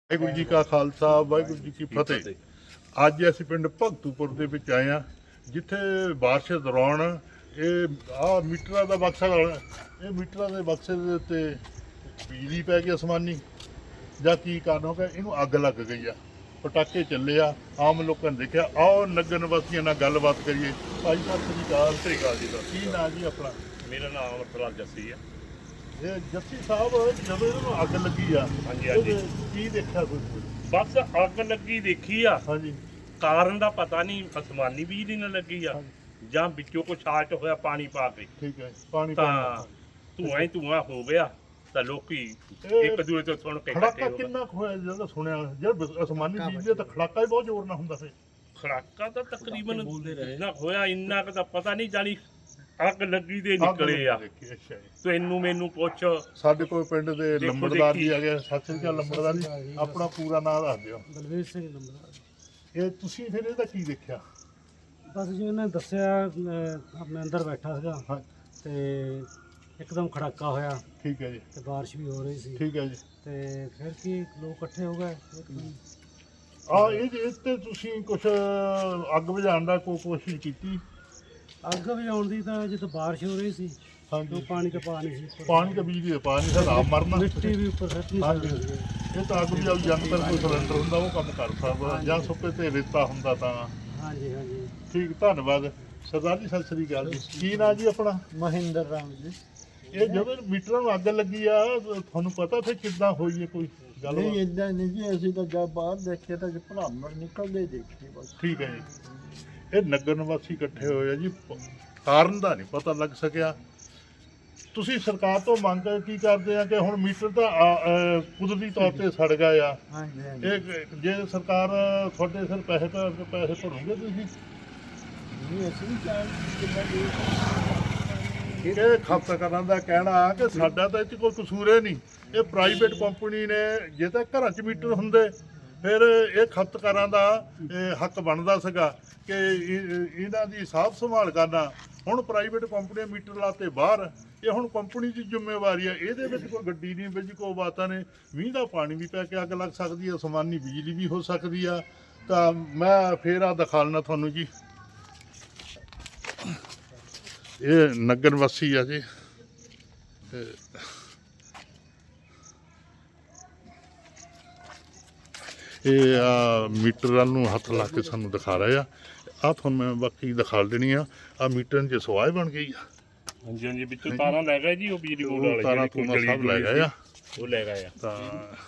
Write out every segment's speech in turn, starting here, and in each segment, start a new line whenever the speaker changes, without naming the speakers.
ਵਾਹਿਗੁਰੂ ਜੀ ਕਾ ਖਾਲਸਾ ਵਾਹਿਗੁਰੂ ਜੀ ਕੀ ਫਤਿਹ। ਅੱਜ ਅਸੀਂ ਪਿੰਡ ਭਗਤੂਪੁਰ ਦੇ ਵਿੱਚ ਆਏ ਹਾਂ, ਜਿੱਥੇ ਬਾਰਿਸ਼ ਦੌਰਾਨ ਇਹ ਮੀਟਰਾਂ ਦਾ ਬਕਸਾ ਇਹ ਮੀਟਰਾਂ ਦੇ ਬਕਸੇ ਦੇ ਉੱਤੇ ਬਿਜਲੀ ਪੈ ਗਈ ਅਸਮਾਨੀ ਜਾਂ ਕੀ ਕਾਰਨ ਹੋ ਗਿਆ, ਇਹਨੂੰ ਅੱਗ ਲੱਗ ਗਈ ਆ। ਪਟਾਕੇ ਚੱਲੇ ਆ, ਆਮ ਲੋਕਾਂ ਨੇ ਦੇਖਿਆ। ਆਓ ਨਗਰ ਨਿਵਾਸੀਆਂ ਨਾਲ ਗੱਲਬਾਤ ਕਰੀਏ। ਭਾਈ ਸਾਹਿਬ ਸ੍ਰੀ ਅਕਾਲ।
ਸਤਿ ਸ਼੍ਰੀ ਅਕਾਲ ਜੀ।
ਕੀ ਨਾਂ ਜੀ ਆਪਣਾ?
ਮੇਰਾ ਨਾਮ ਅਮਰਪਾਲ ਜੱਸੀ ਆ।
ਇਹ ਜੱਸੀ ਸਾਹਿਬ, ਜਦੋਂ ਇਹਨੂੰ ਅੱਗ ਲੱਗੀ ਆ,
ਹਾਂਜੀ
ਕੀ ਦੇਖਿਆ ਤੁਸੀਂ?
ਬਸ ਅੱਗ ਲੱਗੀ ਦੇਖੀ ਆ।
ਹਾਂਜੀ,
ਕਾਰਨ ਦਾ ਪਤਾ ਨਹੀਂ, ਅਸਮਾਨੀ ਬਿਜਲੀ ਨਾਲ ਲੱਗੀ ਆ ਜਾਂ ਵਿੱਚੋਂ ਕੋਈ ਸ਼ਾਰਟ ਹੋਇਆ ਪਾਣੀ ਪਾ ਕੇ,
ਠੀਕ ਹੈ। ਪਾਣੀ
ਤਾਂ ਧੂਆਂ ਹੀ ਧੂਆਂ ਹੋ ਗਿਆ। ਤਾਂ ਲੋਕੀ ਇੱਕ ਦੂਜੇ ਤੋਂ ਸੁਣ ਕੇ
ਖੜਾਕਾ ਕਿੰਨਾ ਕੁ ਹੋਇਆ? ਜਦੋਂ ਸੁਣਿਆ ਜਦ ਅਸਮਾਨੀ ਬਿਜਲੀ ਤਾਂ ਖੜਾਕਾ ਹੀ ਬਹੁਤ ਜ਼ੋਰ ਨਾਲ ਹੁੰਦਾ ਸੀ।
ਖੜਾਕਾ ਤਾਂ ਤਕਰੀਬਨ ਇੰਨਾ ਹੋਇਆ, ਇੰਨਾ ਕੁ ਤਾਂ ਪਤਾ ਨਹੀਂ, ਜਾਣੀ ਅੱਗ ਲੱਗੀ ਦੇ ਨਿਕਲੇ ਆ। ਤੈਨੂੰ ਮੈਨੂੰ ਪੁੱਛ।
ਸਾਡੇ ਕੋਲ ਪਿੰਡ ਦੇ ਲੰਬੜਦਾਰ ਜੀ ਆ ਗਏ। ਸਤਿ ਸ੍ਰੀ ਅਕਾਲ ਲੰਬੜਦਾਰ ਜੀ, ਆਪਣਾ ਪੂਰਾ ਨਾਮ ਦੱਸ ਦਿਓ।
ਬਲਵੀਰ ਸਿੰਘ ਲੰਬੜਦਾਰ।
ਇਹ ਤੁਸੀਂ ਫਿਰ ਇਹਦਾ ਕੀ ਦੇਖਿਆ?
ਬਸ ਜੀ ਉਹਨੇ ਦੱਸਿਆ, ਆਪਣੇ ਅੰਦਰ ਬੈਠਾ ਸੀਗਾ
ਹਾਂ,
ਤੇ ਇੱਕਦਮ ਖੜਾਕਾ ਹੋਇਆ
ਠੀਕ ਹੈ ਜੀ,
ਤੇ ਬਾਰਿਸ਼ ਵੀ ਹੋ ਰਹੀ ਸੀ।
ਠੀਕ ਹੈ ਜੀ।
ਤੇ ਫਿਰ ਕੀ ਲੋਕ ਇਕੱਠੇ ਹੋ ਗਏ।
ਇਹ ਤੇ ਤੁਸੀਂ ਕੁਛ ਅੱਗ ਬੁਝਾਉਣ ਦਾ ਕੋਈ ਕੋਸ਼ਿਸ਼ ਕੀਤੀ?
ਅੱਗ ਵਜਾਉਣ ਦੀ ਤਾਂ ਜਦੋਂ ਬਾਰਿਸ਼ ਹੋ ਰਹੀ ਸੀ,
ਹਾਂਜੀ।
ਉਹ ਪਾਣੀ ਤਾਂ ਪਾ ਨਹੀਂ ਸੀ ਉੱਪਰ।
ਪਾਣੀ ਤਾਂ ਬਿਜਲੀ ਦਾ ਪਾ ਨਹੀਂ ਸਕਦਾ, ਆਪ ਮਰਨਾ।
ਮਿੱਟੀ ਵੀ ਉੱਪਰ ਸੱਟ ਨਹੀਂ
ਹਾਂਜੀ।
ਸਕਦੀ।
ਇਹ ਤਾਂ ਅੱਗ ਬੁਝਾਊ ਯੰਤਰ, ਕੋਈ ਸਿਲੰਡਰ ਹੁੰਦਾ ਉਹ ਕੰਮ ਕਰ ਸਕਦਾ, ਜਾਂ ਸੁੱਕੇ ਤੇ ਰੇਤਾ ਹੁੰਦਾ ਤਾਂ।
ਹਾਂਜੀ ਹਾਂਜੀ।
ਠੀਕ, ਧੰਨਵਾਦ ਸਰਦਾਰ ਜੀ। ਸਤਿ ਸ੍ਰੀ ਅਕਾਲ ਜੀ। ਕੀ ਨਾਂ ਜੀ ਆਪਣਾ?
ਮਹਿੰਦਰ ਰਾਮ ਜੀ।
ਇਹ ਜਦੋਂ ਮੀਟਰਾਂ ਨੂੰ ਅੱਗ ਲੱਗੀ ਆ, ਤੁਹਾਨੂੰ ਪਤਾ ਫਿਰ ਕਿੱਦਾਂ ਹੋਈ ਹੈ ਕੋਈ ਗੱਲ?
ਨਹੀਂ ਇਦਾਂ ਨਹੀਂ ਜੀ, ਅਸੀਂ ਤਾਂ ਜਦ ਬਾਹਰ ਦੇਖੇ ਤਾਂ ਭਰਾਮਣ ਨਿਕਲਦੇ ਦੇਖੇ ਬਸ।
ਠੀਕ ਹੈ ਜੀ। ਇਹ ਨਗਰ ਨਿਵਾਸੀ ਇਕੱਠੇ ਹੋਏ ਆ ਜੀ, ਕਾਰਨ ਦਾ ਨਹੀਂ ਪਤਾ ਲੱਗ ਸਕਿਆ। ਤੁਸੀਂ ਸਰਕਾਰ ਤੋਂ ਮੰਗ ਕੀ ਕਰਦੇ ਆ ਕਿ ਹੁਣ ਮੀਟਰ ਤਾਂ ਕੁਦਰਤੀ ਤੌਰ ਤੇ ਸੜ ਗਏ ਆ,
ਹਾਂਜੀ ਹਾਂਜੀ।
ਇਹ ਜੇ ਸਰਕਾਰ ਤੁਹਾਡੇ ਸਿਰ ਪੈਸੇ ਭਰੋਗੇ ਤੁਸੀਂ?
ਨਹੀਂ ਅਸੀਂ ਵੀ ਚਾਹੀਏ
ਇਹ ਖਪਤਕਾਰਾਂ ਦਾ ਕਹਿਣਾ ਕਿ ਸਾਡਾ ਤਾਂ ਇਹ 'ਚ ਕੋਈ ਕਸੂਰ ਹੀ ਨਹੀਂ, ਇਹ ਪ੍ਰਾਈਵੇਟ ਕੰਪਨੀ ਨੇ। ਜੇ ਤਾਂ ਘਰਾਂ 'ਚ ਮੀਟਰ ਹੁੰਦੇ ਫਿਰ ਇਹ ਖਪਤਕਾਰਾਂ ਦਾ ਹੱਕ ਬਣਦਾ ਸੀਗਾ ਕਿ ਇਹਨਾਂ ਦੀ ਸਾਂਭ ਸੰਭਾਲ ਕਰਨਾ। ਹੁਣ ਪ੍ਰਾਈਵੇਟ ਕੰਪਨੀਆਂ ਮੀਟਰ ਲਾਤੇ ਬਾਹਰ, ਇਹ ਹੁਣ ਕੰਪਨੀ ਦੀ ਜ਼ਿੰਮੇਵਾਰੀ ਆ। ਇਹਦੇ ਵਿੱਚ ਕੋਈ ਗੱਡੀ ਨਹੀਂ ਵਿੱਚ ਕੋਈ ਬਾਤਾਂ ਨੇ। ਮੀਂਹ ਦਾ ਪਾਣੀ ਵੀ ਪੈ ਕੇ ਅੱਗ ਲੱਗ ਸਕਦੀ ਹੈ, ਅਸਮਾਨੀ ਬਿਜਲੀ ਵੀ ਹੋ ਸਕਦੀ ਆ। ਤਾਂ ਮੈਂ ਫੇਰ ਆ ਦਿਖਾਉਣਾ ਤੁਹਾਨੂੰ ਜੀ। ਇਹ ਨਗਰ ਵਾਸੀ ਆ ਜੀ। ਇਹ ਮੀਟਰਾਂ ਨੂੰ ਹੱਥ ਲਾ ਕੇ ਸਾਨੂੰ ਦਿਖਾ ਰਹੇ ਆ। ਤੁਹਾਨੂੰ ਮੈਂ ਬਾਕੀ ਦਿਖਾ ਦੇਣੀ ਆ। ਮੀਟਰ 'ਚ ਸਵਾਹ ਬਣ ਗਈ ਆ।
ਹਾਂਜੀ ਹਾਂਜੀ, ਵਿੱਚੋਂ ਤਾਰਾਂ ਲੈ ਗਏ ਜੀ, ਉਹ ਬਿਜਲੀ ਬੋਰਡ ਵਾਲੇ
ਤਾਰਾਂ ਤੂਮਾਂ ਸਭ ਲੈ ਗਏ ਆ।
ਉਹ ਲੈ ਗਏ ਆ।
ਤਾਂ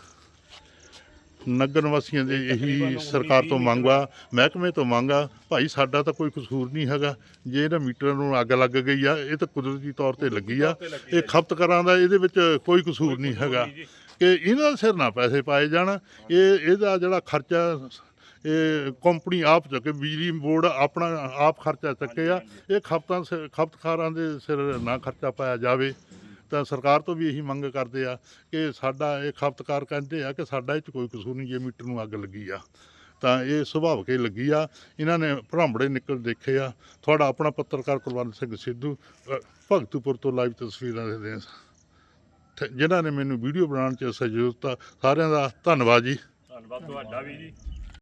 ਨਗਰ ਨਿਵਾਸੀਆਂ ਦੇ ਇਹੀ ਸਰਕਾਰ ਤੋਂ ਮੰਗ ਆ, ਮਹਿਕਮੇ ਤੋਂ ਮੰਗ ਆ, ਭਾਈ ਸਾਡਾ ਤਾਂ ਕੋਈ ਕਸੂਰ ਨਹੀਂ ਹੈਗਾ। ਜੇ ਇਹਨਾਂ ਮੀਟਰਾਂ ਨੂੰ ਅੱਗ ਲੱਗ ਗਈ ਆ, ਇਹ ਤਾਂ ਕੁਦਰਤੀ ਤੌਰ ਤੇ ਲੱਗੀ ਆ। ਇਹ ਖਪਤਕਾਰਾਂ ਦਾ ਇਹਦੇ ਵਿੱਚ ਕੋਈ ਕਸੂਰ ਨਹੀਂ ਹੈਗਾ ਕਿ ਇਹਨਾਂ ਦੇ ਸਿਰ ਨਾ ਪੈਸੇ ਪਾਏ ਜਾਣ। ਇਹਦਾ ਜਿਹੜਾ ਖਰਚਾ ਇਹ ਕੰਪਨੀ ਆਪ ਚੁੱਕੇ, ਬਿਜਲੀ ਬੋਰਡ ਆਪਣਾ ਆਪ ਖਰਚਾ ਚੁੱਕੇ ਆ। ਇਹ ਖਪਤਕਾਰਾਂ ਦੇ ਸਿਰ ਨਾ ਖਰਚਾ ਪਾਇਆ ਜਾਵੇ। ਤਾਂ ਸਰਕਾਰ ਤੋਂ ਵੀ ਇਹੀ ਮੰਗ ਕਰਦੇ ਆ ਕਿ ਸਾਡਾ ਇਹ ਖਪਤਕਾਰ ਕਹਿੰਦੇ ਆ ਕਿ ਸਾਡਾ ਇਹ 'ਚ ਕੋਈ ਕਸੂਰ ਨਹੀਂ। ਜੇ ਮੀਟਰ ਨੂੰ ਅੱਗ ਲੱਗੀ ਆ ਤਾਂ ਇਹ ਸੁਭਾਵਿਕ ਹੀ ਲੱਗੀ ਆ। ਇਹਨਾਂ ਨੇ ਭਰਾਂਬੜੇ ਨਿਕਲ ਦੇਖੇ ਆ। ਤੁਹਾਡਾ ਆਪਣਾ ਪੱਤਰਕਾਰ ਕੁਲਵੰਤ ਸਿੰਘ ਸਿੱਧੂ, ਭਗਤੂਪੁਰ ਤੋਂ ਲਾਈਵ ਤਸਵੀਰਾਂ ਦੇਖਦੇ ਆ। ਜਿਨ੍ਹਾਂ ਨੇ ਮੈਨੂੰ ਵੀਡੀਓ ਬਣਾਉਣ 'ਚ ਸਹਿਯੋਗ ਦਿੱਤਾ, ਸਾਰਿਆਂ ਦਾ ਧੰਨਵਾਦ ਜੀ।
ਧੰਨਵਾਦ ਤੁਹਾਡਾ ਵੀ ਜੀ।